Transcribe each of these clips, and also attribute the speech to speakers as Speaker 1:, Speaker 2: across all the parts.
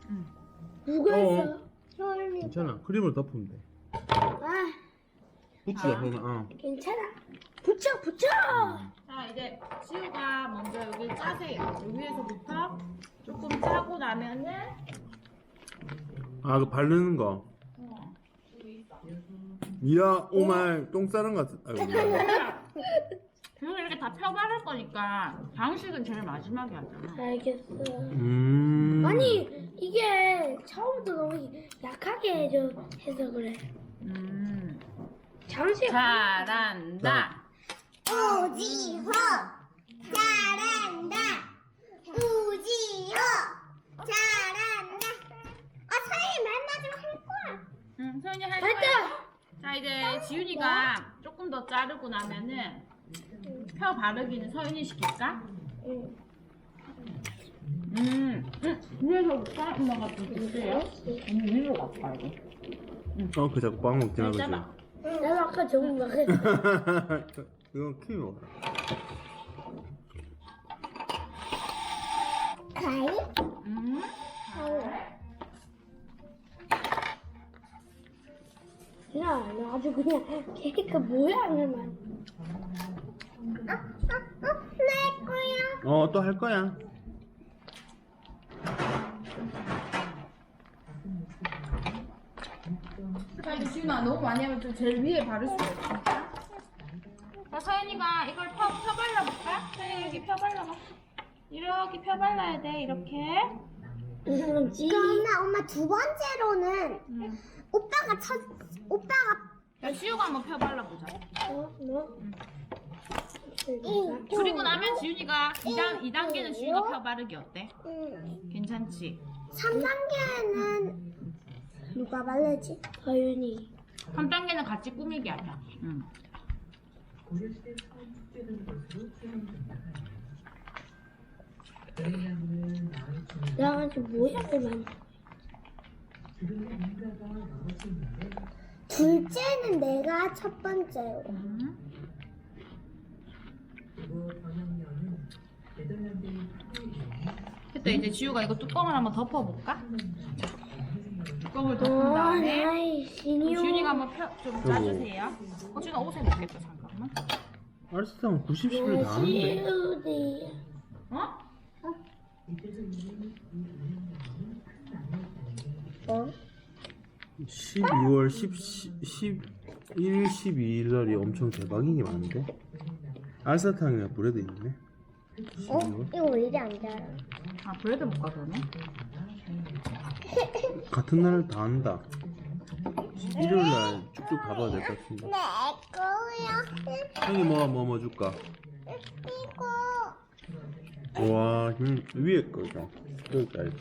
Speaker 1: 누가 했어? 소연이.
Speaker 2: 괜찮아. 크림을 덮으면 돼.
Speaker 1: 아,
Speaker 2: 붙이자 그러면.
Speaker 1: 괜찮아. 붙여, 붙여.
Speaker 3: 자, 이제 지우가 먼저 여기 짜세요. 여기 위에서부터 조금 짜고 나면은
Speaker 2: 아, 그 바르는 거. 이야, 오말 똥 싸는 것 같아. 아이고.
Speaker 3: 그리고 이렇게 다 펴바를 거니까 장식은 제일 마지막에 하잖아.
Speaker 1: 알겠어.
Speaker 2: 아니.
Speaker 1: 아니, 이게 처음부터 너무 약하게 해서 그래. 장식.
Speaker 3: 잘한다.
Speaker 4: 우지호 잘한다. 우지호 잘한다. 아 서연이 맨날 좀 할 거야.
Speaker 3: 응, 소연이 할
Speaker 1: 맞다.
Speaker 3: 거야. 자, 이제 지윤이가 조금 더 자르고 나면은 펴 바르기는 서윤이 시킬까? 위에서부터 엄마가 좀 주세요. 위로 갈까 이거?
Speaker 2: 그 자꾸 빵 먹지 말고.
Speaker 3: 잡아.
Speaker 1: 나도 아까 저거 막 했어.
Speaker 2: 이건 키위 먹어.
Speaker 4: 가이?
Speaker 1: 나 아주 그냥 케이크 모양을만.
Speaker 4: 내 거야.
Speaker 2: 또 할 거야.
Speaker 3: 자, 이제 지윤아 너무 많이 하면 좀 제일 위에 바를 수가 없어. 자, 서연이가 이걸 펴발라볼까? 서연이 여기 펴발라봐. 이렇게 펴발라야 돼, 이렇게.
Speaker 4: 그러면 엄마 두 번째로는 오빠가
Speaker 3: 야, 지우가 한번 펴발라보자.
Speaker 1: 뭐?
Speaker 3: 그리고 나면 지윤이가 2단계는 지윤이가 펴바르기 어때? 괜찮지?
Speaker 4: 3단계는 누가 바르지?
Speaker 1: 서윤이.
Speaker 3: 3단계는 같이 꾸미기 하자.
Speaker 1: 나 아주 모양을만.
Speaker 4: 둘째는 내가 첫 번째로.
Speaker 3: 됐다. 이제 지우가 이거 뚜껑을 한번 덮어볼까? 자, 뚜껑을 덮은 다음에
Speaker 1: 아이, 신이요.
Speaker 3: 지윤이가 한번 좀 짜주세요. 지윤아 옷에 넣겠다. 잠깐만.
Speaker 2: 알았어, 90을 다 하는데.
Speaker 1: 시우디.
Speaker 3: 어?
Speaker 2: 12월 11일, 12일 날이 엄청 대박인 게 많은데? 알사탕이나 브레드 있네.
Speaker 4: 이거 왜 이리 안 자라?
Speaker 3: 아, 브레드 먹까 그러면?
Speaker 2: 같은 날 다 한다. 11월 날 쭉쭉 가봐야 될 것 같은데.
Speaker 4: 내 거야.
Speaker 2: 형이 뭐 줄까?
Speaker 4: 이거.
Speaker 2: 와, 위에 거다. 여기까지.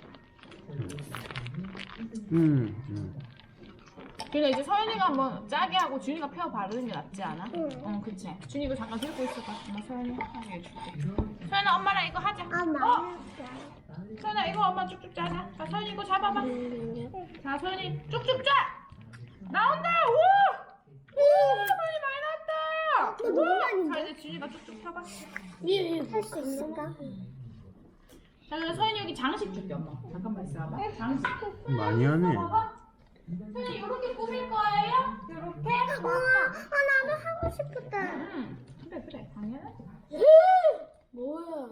Speaker 3: 그러니까 이제 서연이가 한번 짜게 하고 준이가 펴 바르는 게 낫지 않아? 그치. 준이 이거 잠깐 들고 있어봐. 엄마 서연이 하게 해줄게. 서연아, 엄마랑 이거 하자.
Speaker 4: 아 맛있어.
Speaker 3: 서연아, 이거 엄마 쭉쭉 짜자. 자, 서연이 이거 잡아봐. 자, 서연이 쭉쭉 짜! 나온다! 우와! 우와! 서연이 많이 나왔다!
Speaker 4: 이거 너무 많이
Speaker 3: 자, 이제 준이가 쭉쭉 펴봐.
Speaker 4: 할수 있을까?
Speaker 3: 자, 그럼 서연이 여기 장식 줄게, 엄마. 잠깐만 있어봐. 장식.
Speaker 2: 많이 하네.
Speaker 3: 봐봐. 서연이 이렇게 꾸밀 거예요? 이렇게?
Speaker 4: 나도 하고 싶었다.
Speaker 3: 그래, 당연하지.
Speaker 1: 뭐야?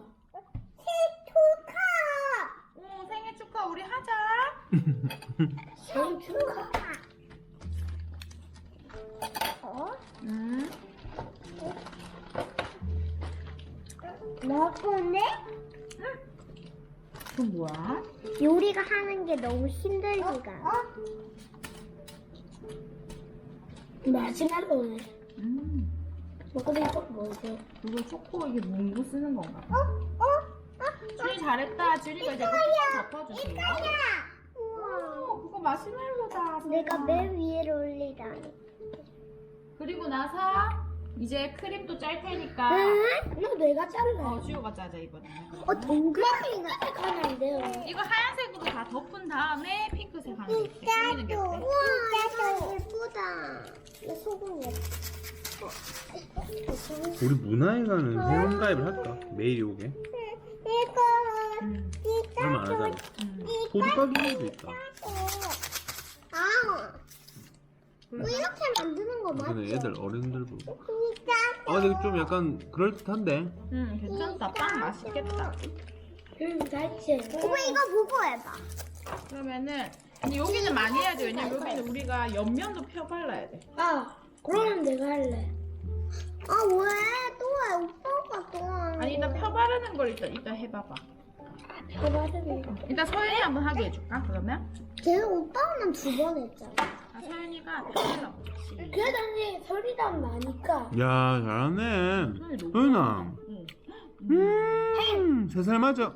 Speaker 4: 축하.
Speaker 3: 생일 축하 우리 하자.
Speaker 1: 생일 축하.
Speaker 4: 먹었네?
Speaker 3: 그건 뭐야?
Speaker 4: 요리가 하는 게 너무 힘들지가.
Speaker 1: 마시멜로네. 먹고 이거 뭐지?
Speaker 3: 이거 초코 이게 뭔거 쓰는 건가? 준이 잘했다. 준이가 이제 뚜껑 덮어주세요. 오, 그거 마시멜로다.
Speaker 4: 내가 맨 위에 올리다니.
Speaker 3: 그리고 나서 이제 크림도 짤 테니까
Speaker 1: 너 내가 잘라.
Speaker 3: 지우가 짜자 이번에는.
Speaker 4: 동그라미가
Speaker 1: 하면 안 돼요.
Speaker 3: 이거 하얀색으로 다 덮은 다음에 핑크색 하는 게 어때? 꾸미는 게 어때?
Speaker 4: 진짜 예쁘다. 이 소금 예뻐.
Speaker 2: 우리 문화에 가는 회원가입을 할까? 매일 오게.
Speaker 4: 이거
Speaker 2: 얼마 안 하잖아. 소리까기도 있다.
Speaker 4: 아, 뭐 이렇게 만드는 거
Speaker 2: 근데
Speaker 4: 맞지?
Speaker 2: 애들 어른들 보고.
Speaker 4: 진짜.
Speaker 2: 근데 좀 약간 그럴듯한데.
Speaker 3: 괜찮다. 빵 맛있겠다.
Speaker 1: 맛있지.
Speaker 4: 오빠 이거 보고 해봐.
Speaker 3: 그러면은 근데 여기는 많이 해야 돼. 왜냐면 여기는 우리가 옆면도 펴발라야 돼.
Speaker 1: 아, 그러면 내가 할래.
Speaker 4: 아 왜? 또 해? 오빠가 또 하는
Speaker 3: 아니 일단
Speaker 4: 거야.
Speaker 3: 펴바르는 걸 일단 해봐봐.
Speaker 1: 펴바르는 거.
Speaker 3: 일단 서연이 한번 하게 해줄까? 그러면?
Speaker 4: 걔는 오빠는 2번 했잖아.
Speaker 3: 서연이가 펴발라보자.
Speaker 1: 그래도 언니 소리랑 나니까.
Speaker 2: 야, 잘하네.
Speaker 3: 서연이 너무
Speaker 2: 소연아.
Speaker 3: 응.
Speaker 2: 3살 맞아.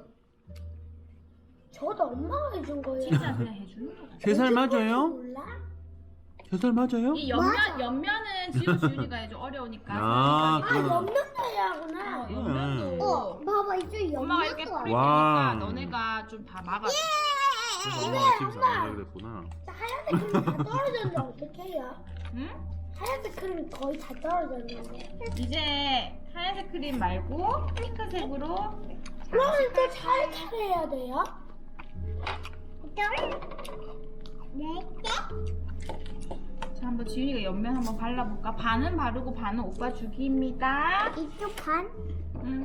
Speaker 1: 저도 엄마가 해준 거예요.
Speaker 3: 진짜 그냥 해주는 거야.
Speaker 2: 3살 맞아요?
Speaker 1: 몰라?
Speaker 2: 3살 맞아요?
Speaker 3: 이
Speaker 4: 맞아.
Speaker 3: 옆면은 지훈이가 해줘. 어려우니까.
Speaker 2: 아,
Speaker 1: 아, 옆면도 해야 하구나.
Speaker 3: 옆면도
Speaker 4: 봐봐 이쪽
Speaker 3: 엄마가 이렇게
Speaker 4: 옆면도
Speaker 3: 뿌릴
Speaker 2: 와.
Speaker 3: 테니까 너네가 좀 다 막아줘.
Speaker 2: 그래서 엄마가 집에서 안 하게 됐구나.
Speaker 1: 하얀색 크림 다 떨어졌는데 어떻게 해요?
Speaker 3: 응?
Speaker 1: 하얀색 크림 거의 다 떨어졌는데.
Speaker 3: 이제 하얀색 크림 말고 핑크색으로
Speaker 1: 그러면 또 차례차례 해야 돼요?
Speaker 3: 자, 한번 지훈이가 옆면 한번 발라볼까? 반은 바르고 반은 오빠 주기입니다.
Speaker 4: 이쪽 반?
Speaker 3: 응.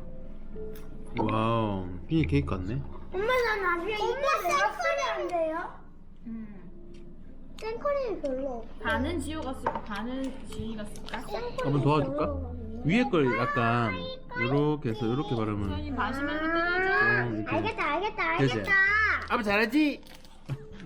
Speaker 2: 와우, 비니 케이크 같네.
Speaker 1: 엄마 나 나중에 이거 내가 쓰면 돼요?
Speaker 4: 생크림이 별로 없어.
Speaker 3: 반은 지호가 쓰고 반은 지훈이가 쓸까?
Speaker 2: 한번 도와줄까? 위에 걸 약간 요렇게 해서 요렇게 바르면
Speaker 3: 지훈이 마시멜로 뜯어줘.
Speaker 2: 좀 이렇게.
Speaker 4: 알겠다
Speaker 2: 되지?
Speaker 4: 알겠다.
Speaker 2: 아빠 잘하지?